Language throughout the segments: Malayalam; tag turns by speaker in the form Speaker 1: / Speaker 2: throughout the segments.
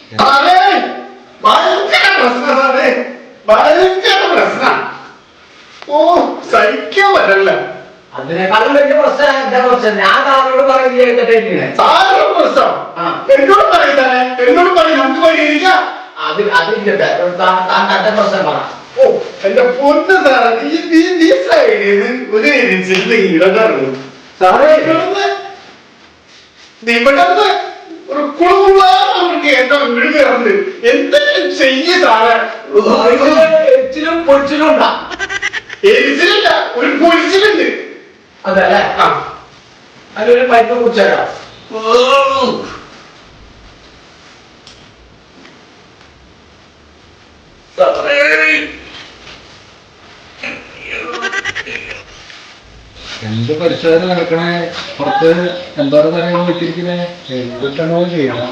Speaker 1: ഭയങ്കര പ്രശ്നമാണ്, ഭയങ്കര പ്രശ്നം. ഓ സഹിക്കാൻ പറ്റല്ല.
Speaker 2: അതിനേക്കാളും വലിയ പ്രശ്നം എന്താ പ്രശ്നം? ഞാൻ താങ്കളോട് പറയുന്നത്
Speaker 1: സാധനം പ്രശ്നം എന്നോട് പറയുന്നേ, എന്നോട് പറയും നമുക്ക് പരിഹരിക്കാം.
Speaker 2: അതിന്റെ പ്രശ്നം പറ.
Speaker 1: ഓ എന്റെ പൊന്ന് സാറേ, ഈ സൈഡിൽ ഒരു ഇടകാറുള്ളൂ സാറേ. ഇവിടെ ഒരു കുളമുള്ളവർക്ക് എന്റെ വീട് കയറുന്നത് എന്തെങ്കിലും ചെയ്യ സാറേ.
Speaker 2: എച്ചിലും പൊരിച്ചിലും ഉണ്ടാ?
Speaker 1: എരിച്ചിലില്ല, ഒരു പൊരിച്ചിലുണ്ട്.
Speaker 2: അതല്ലേ? അതിലൊരു പൈപ്പ് കുടിച്ചേക്കാം.
Speaker 3: എന്ത് പരിശോധന നടക്കണേ? പുറത്ത് എന്തോരം തരങ്ങൾ വെച്ചിരിക്കുന്നേ? എന്തിട്ടാണോ ചെയ്യണം?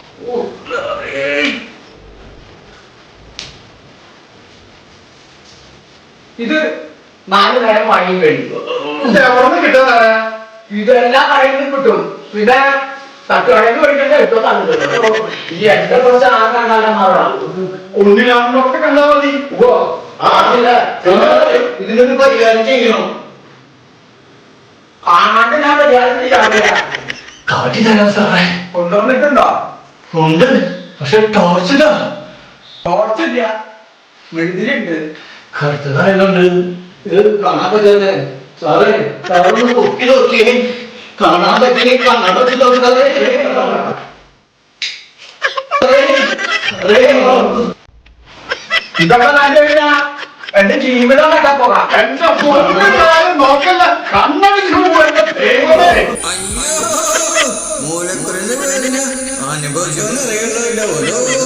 Speaker 2: ഇത് 4 നേരം വാങ്ങി കഴിയും.
Speaker 1: എവിടെ കിട്ടാ?
Speaker 2: ഇതെല്ലാം കടയിൽ നിന്ന് കിട്ടും. പിന്നെ തട്ടുകടയിൽ മേടിക്കേണ്ട കിട്ടും. ഈ എന്റെ കുറച്ച് ആകാണ്ടാകാൻ
Speaker 1: ഒന്നിലാണൊക്കെ കണ്ടാ മതി.
Speaker 2: ഇതിനൊരു പരിഹാരം ചെയ്യണം. കാണാണ്ട് ഞാൻ പരിഹാരം ചെയ്യാറില്ല.
Speaker 1: കാട്ടി തരാം സാറേ.
Speaker 2: കൊണ്ടുവന്നിട്ടുണ്ടോ?
Speaker 1: ഉണ്ട്, പക്ഷെ ടോർച്ചില്ല.
Speaker 2: ടോർച്ചില്ല, മെഴുതിലുണ്ട്.
Speaker 1: കറുത്തതായതുകൊണ്ട്
Speaker 2: ഇത് കാണാൻ പറ്റുന്നത് സാറേ. സാറൊന്ന് പൊക്കി നോക്കിയേ, കാണാൻ പറ്റിയ കാണാൻ പറ്റുന്നത്. ഇതൊക്കെ നല്ല എന്റെ ജീവിതം പോകാം.
Speaker 1: എന്റെ നോക്കല്ല, കണ്ണടിച്ചു
Speaker 4: മൂലക്കുരന്റെ വേദന അനുഭവിച്ചോന്ന് അറിയണ്ടോ?